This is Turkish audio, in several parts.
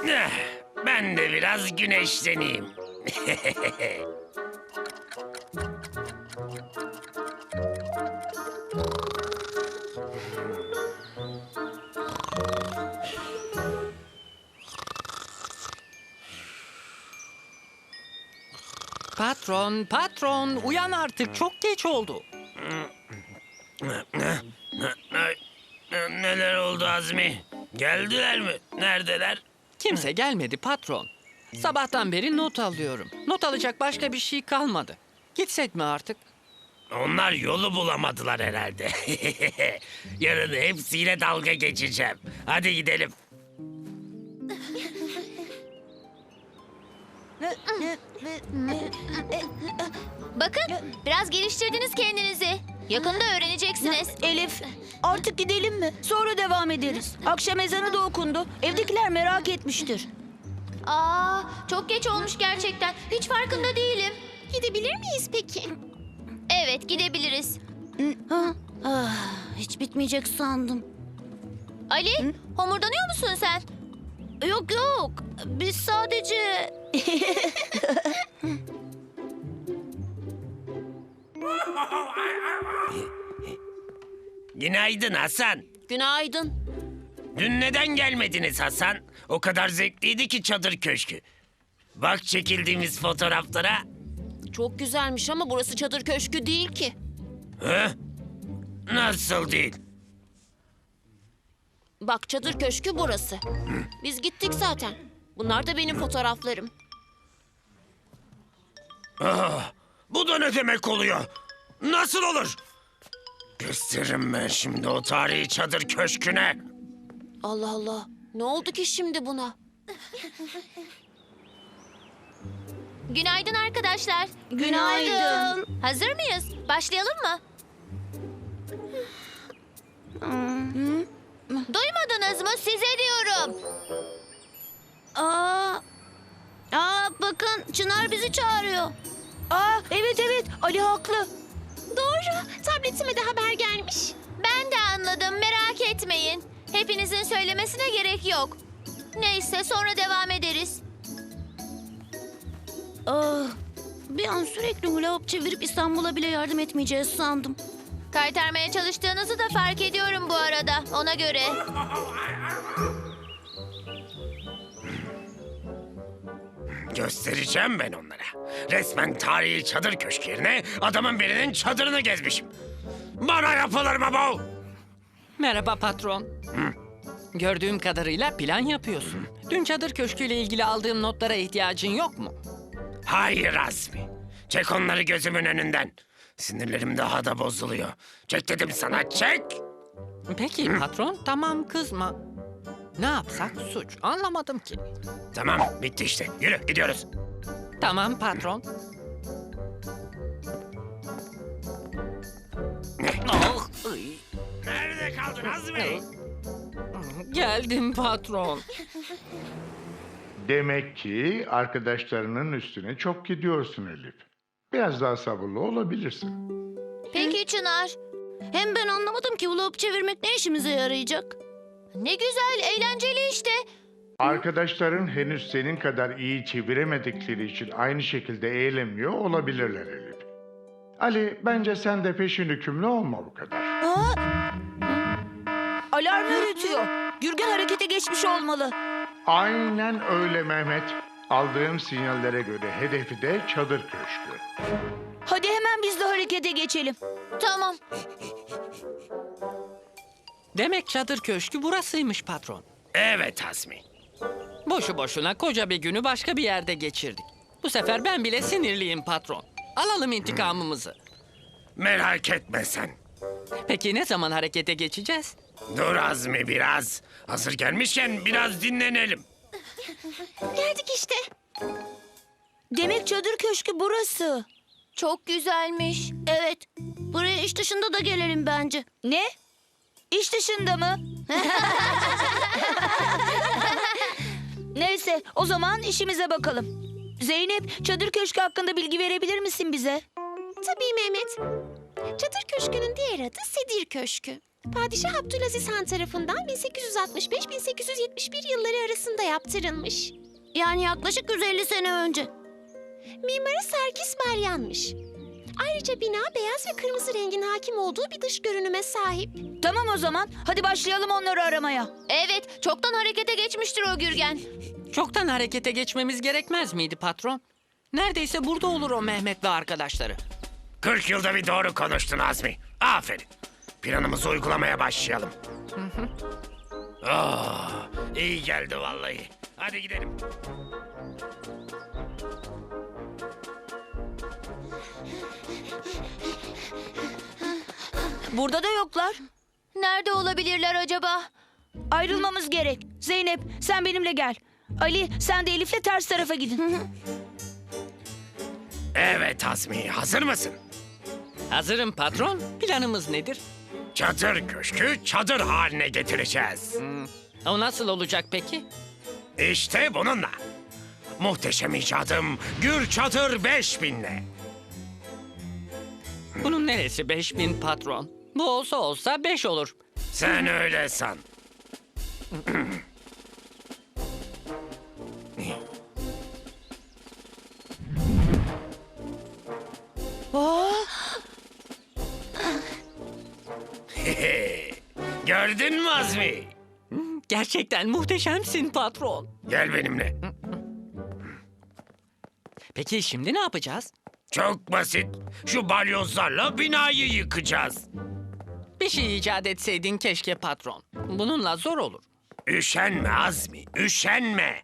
Ben de biraz güneşleneyim. Patron, uyan artık. Çok geç oldu. Neler oldu Azmi? Geldiler mi? Neredeler? Kimse gelmedi patron. Sabahtan beri not alıyorum. Not alacak başka bir şey kalmadı. Gitsek mi artık? Onlar yolu bulamadılar herhalde. Yarın hepsiyle dalga geçeceğim. Hadi gidelim. Bakın, biraz geliştirdiniz kendinizi. Yakında öğreneceksiniz. Elif, artık gidelim mi? Sonra devam ederiz. Akşam ezanı da okundu. Evdekiler merak etmiştir. Aa, çok geç olmuş gerçekten. Hiç farkında değilim. Gidebilir miyiz peki? Evet, gidebiliriz. Hiç bitmeyecek sandım. Ali, homurdanıyor musun sen? Yok yok, biz sadece... Günaydın Hasan. Günaydın. Dün neden gelmediniz Hasan? O kadar zevkliydi ki çadır köşkü. Bak çekildiğimiz fotoğraflara. Çok güzelmiş ama burası çadır köşkü değil ki. Hı? Nasıl değil? Bak çadır köşkü burası. Biz gittik zaten. Bunlar da benim fotoğraflarım. Bu da ne demek oluyor? Nasıl olur? Gösteririm ben şimdi o tarihi çadır köşküne. Allah Allah. Ne oldu ki şimdi buna? Günaydın arkadaşlar. Günaydın. Hazır mıyız? Başlayalım mı? Duymadınız mı? Size diyorum. Bakın Çınar bizi çağırıyor. Evet Ali haklı. Doğru. Tabletime de haber gelmiş. Ben de anladım. Merak etmeyin. Hepinizin söylemesine gerek yok. Neyse sonra devam ederiz. Bir an sürekli hula hop çevirip İstanbul'a bile yardım etmeyeceğiz sandım. Kaytarmaya çalıştığınızı da fark ediyorum bu arada. Ona göre. Göstereceğim ben onlara. Resmen tarihi çadır köşkü yerine adamın birinin çadırını gezmişim. Bana yapılır mı bu? Merhaba patron. Gördüğüm kadarıyla plan yapıyorsun. Dün çadır köşküyle ilgili aldığım notlara ihtiyacın yok mu? Hayır Azmi. Çek onları gözümün önünden. Sinirlerim daha da bozuluyor. Çek dedim sana, çek. Peki patron, tamam kızma. Ne yapsak suç? Anlamadım ki. Tamam, bitti işte. Yürü, gidiyoruz. Tamam patron. Oh, ay. Nerede kaldın Azmi? Geldim patron. Demek ki arkadaşlarının üstüne çok gidiyorsun Elif. Biraz daha sabırlı olabilirsin. Peki Çınar. Hem ben anlamadım ki hula hop çevirmek ne işimize yarayacak? Ne güzel, eğlenceli işte. Arkadaşların henüz senin kadar iyi çeviremedikleri için aynı şekilde eğlenmiyor olabilirler Elif. Ali, bence sen de peşin hükümlü olma bu kadar. Alarm öğretiyor. Gürgen harekete geçmiş olmalı. Aynen öyle Mehmet. Aldığım sinyallere göre hedefi de çadır köşkü. Hadi hemen biz de harekete geçelim. Tamam. Demek çadır köşkü burasıymış patron. Evet Azmi. Boşu boşuna koca bir günü başka bir yerde geçirdik. Bu sefer ben bile sinirliyim patron. Alalım intikamımızı. Merak etme sen. Peki ne zaman harekete geçeceğiz? Dur Azmi biraz. Hazır gelmişken biraz dinlenelim. Geldik işte. Demek çadır köşkü burası. Çok güzelmiş. Evet. Buraya iş dışında da gelelim bence. Ne? İş dışında mı? Neyse, o zaman işimize bakalım. Zeynep, çadır köşkü hakkında bilgi verebilir misin bize? Tabii Mehmet. Çadır Köşkü'nün diğer adı Sedir Köşkü. Padişah Abdülaziz Han tarafından 1865-1871 yılları arasında yaptırılmış. Yani yaklaşık 150 sene önce. Mimarı Serkis Balyan'mış. Ayrıca bina beyaz ve kırmızı rengin hakim olduğu bir dış görünüme sahip. Tamam o zaman. Hadi başlayalım onları aramaya. Evet, çoktan harekete geçmiştir o Gürgen. Çoktan harekete geçmemiz gerekmez miydi patron? Neredeyse burada olur o Mehmet ve arkadaşları. 40 yılda bir doğru konuştun Azmi. Aferin. Planımızı uygulamaya başlayalım. Oh, iyi geldi vallahi. Hadi gidelim. Burada da yoklar. Nerede olabilirler acaba? Ayrılmamız gerek. Zeynep sen benimle gel. Ali sen de Elif'le ters tarafa gidin. Evet Azmi, hazır mısın? Hazırım patron. Planımız nedir? Çadır köşkü çadır haline getireceğiz. O nasıl olacak peki? İşte bununla. Muhteşem icadım Gür Çadır 5000'le. Bunun neresi 5000 patron? Bu olsa 5 olur. Sen öyle san. Gördün mü Azmi? Gerçekten muhteşemsin patron. Gel benimle. Peki şimdi ne yapacağız? Çok basit. Şu balyozlarla binayı yıkacağız. Bir şey icat etseydin keşke patron. Bununla zor olur. Üşenme Azmi, üşenme.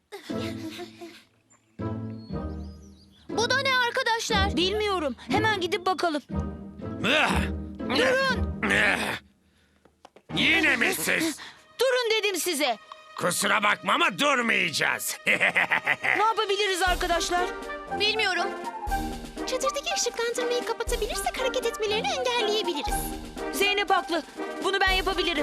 Bu da ne arkadaşlar? Bilmiyorum. Hemen gidip bakalım. Durun. Yine mi siz? Durun dedim size. Kusura bakma ama durmayacağız. Ne yapabiliriz arkadaşlar? Bilmiyorum. Çadırdaki ışıklandırmayı kapatabilirsek hareket etmelerini engelleyebiliriz. Zeynep haklı. Bunu ben yapabilirim.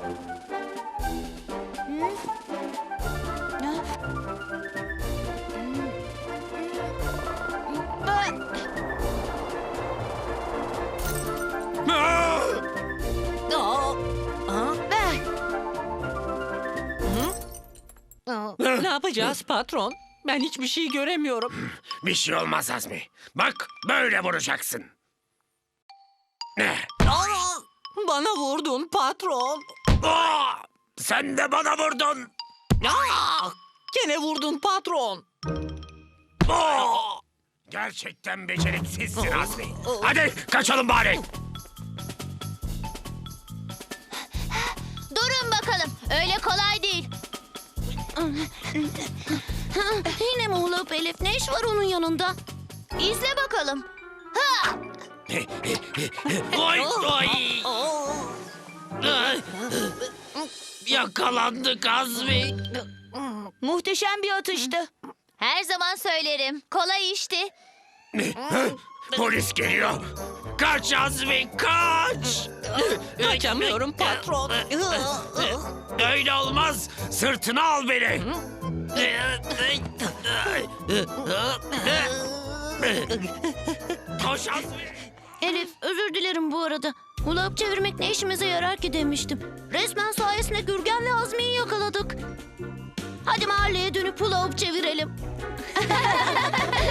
Ne yapacağız patron? Ben hiçbir şey göremiyorum. Bir şey olmaz Azmi. Bak böyle vuracaksın. Bana vurdun patron. Aa, sen de bana vurdun. Gene vurdun patron. Aa, gerçekten beceriksizsin Azmi. Hadi kaçalım bari. Durun bakalım. Öyle kolay değil. Yine mi Hulap Elif? Ne iş var onun yanında? İzle bakalım. Ha! Oy oy. Yakalandık Azmi. Muhteşem bir atıştı. Her zaman söylerim. Kolay işti. Polis geliyor. Kaç Azmi kaç. Kaçamıyorum patron. Öyle olmaz. Sırtına al beni. Koş Azmi. Elif, özür dilerim bu arada. Hulap çevirmek ne işimize yarar ki demiştim. Resmen sayesinde Gürgen ve Azmi'yi yakaladık. Hadi mahalleye dönüp hulap çevirelim.